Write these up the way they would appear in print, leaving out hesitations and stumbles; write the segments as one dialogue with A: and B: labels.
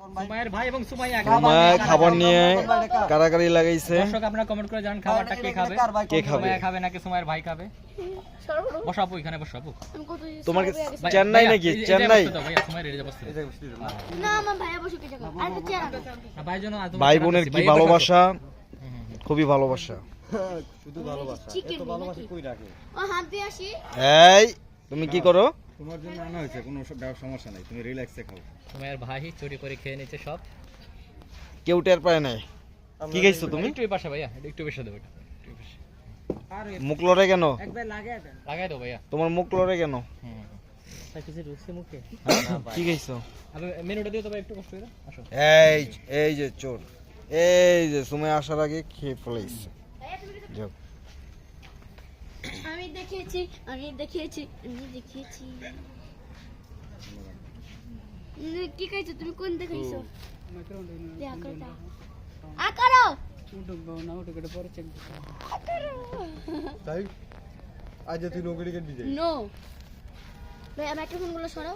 A: সুমাইয়ের ভাই এবং সুমাইয়া
B: খাবার নিয়ে কারাকারি লাগাইছে।
A: দর্শক আপনারা কমেন্ট করে জানান খাবারটা কে খাবে?
B: কে খাবে?
A: সুমাইয়া খাবে নাকি সুমাইয়ের ভাই খাবে? বসাবো এখানে বসাবো।
B: তোমার চেন্নাই নাকি? চেন্নাই
A: ভাইয়া সুমাইয়ের এই যে বসতে।
C: না আমার ভাইয়া বসুক এই জায়গায়। আর তো চেয়ার আনো।
A: ভাই জন্য
B: ভাই বোনের কি ভালোবাসা, খুবই ভালোবাসা।
D: শুধু ভালোবাসা, এত ভালোবাসা কই রাখে?
C: ও হাত দিয়ে আসি।
B: এই তুমি কি করো?
D: তোমার জন্য আনা হয়েছে, কোনো সমস্যা নাই, তুমি রিল্যাক্সে খাও।
A: সুমাইয়ের ভাই চুরি করে খেয়ে নিচ্ছে সব।
B: কেউ টের পায় নাই। কি খাইছো তুমি?
A: একটু এই পাশে ভাইয়া, একটু বেশি দেবো এটা। একটু বেশি।
B: মুখ লড়ে কেন?
A: লাগাই দাও ভাইয়া।
B: তোমার মুখ লড়ে কেন?
A: তাই কিছু রুচি মুখে।
B: কি খাইছো?
A: আবে মেনুটা দিও তো ভাই একটু কষ্ট করে আসো।
B: এই যে চোর, এই যে সময় আসার আগে খেয়ে ফেলাইছে। যাও।
C: আমি দেখিয়েছি। কি খাইছো তুমি? কোন দেখাইছো? আকারো
D: তাই আজ তুই নগরী কেন দিতে?
C: নো ভাই আমার একটা ফোন গুলো সরাও।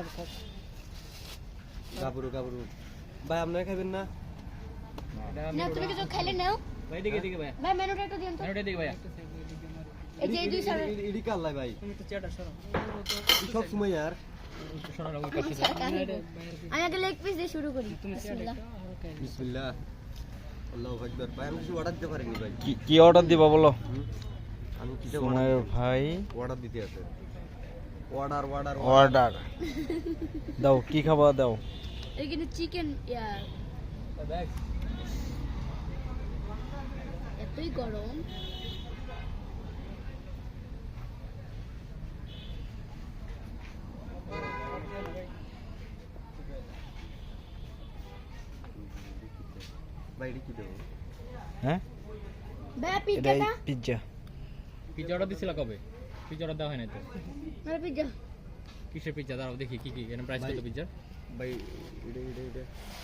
D: গাবরু ভাই আপনারা খাবেন না?
C: না তুমি কিছু খাইলে নাও।
A: ভাই দিকে ভাইয়া।
C: ভাই মেনুটা একটু দিন তো।
A: মেনুটা দিকে ভাইয়া।
C: এই যে এই দুই সামনে
D: ইডি কাল্লাই ভাই,
A: তুমি তো চেয়ারটা সরাও।
D: সব সময় আর
A: একটু সরাও ওই পাশে।
C: আমি আগে লেগ পিস দিয়ে শুরু করি। বিসমিল্লাহ।
D: বিসমিল্লাহ, আল্লাহু আকবার। ভাই আমি কিছু অর্ডার দিতে পারিনি ভাই।
B: কি অর্ডার দিবা বলো?
D: আমি কিছু
B: সময়ের ভাই
D: অর্ডার দিতে আছে। অর্ডার
B: দাও, কি খাবার দাও?
C: এখানে চিকেন
A: ব্যাগ।
C: এতই গরম।
D: ভাই এডি কি দেবো?
B: হ্যাঁ,
C: ভাই
B: এটা
C: পিজ্জাটা
B: পিজ্জা।
A: পিজ্জা অর্ডার দিছিল কবে? পিজ্জা অর্ডার দেওয়া হয় নাই তো।
C: মানে পিজ্জা
A: কিসের পিজ্জা? দাঁড়াও দেখি কি এর প্রাইস কত পিজ্জা?
D: ভাই এটা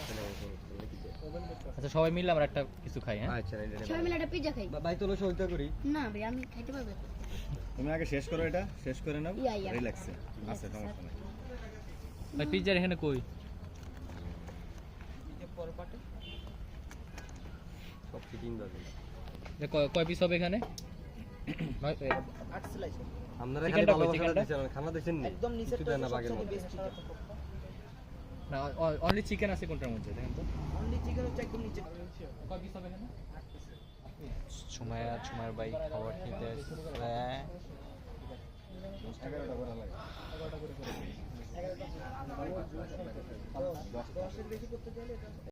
A: আচ্ছা সবাই মিলে আমরা একটা কিছু খাই হ্যাঁ।
D: আচ্ছা এটা
C: সবাই মিলে একটা পিজ্জা খাই।
D: ভাই তোলো সহযোগিতা করি।
C: না ভাই আমি খাইতে পারবো।
D: তুমি আগে শেষ করো, এটা শেষ করে নাও,
C: ইয়া।
D: রিল্যাক্সে। আচ্ছা সমস্যা নাই।
A: ভাই পিজ্জার এখানে কই?
D: সব ফিটিং দাও।
A: কয় পিস হবে এখানে?
D: আপনারা খালি
A: চিকেনটা কই?
D: ভালোবাসা
A: চিকেনটা?
D: দিছেন, খানা দিছেন নি? একদম নিচে তো না বাগের মধ্যে।
A: না অনলি চিকেন আছে কোনটার মধ্যে দেখেন তো। অনলি চিকেন হচ্ছে একদম নিচে। কয় পিস হবে এখানে?
B: সময়ের ভাই খাবার খেতে আসছে।
D: 11টা করে লাগে।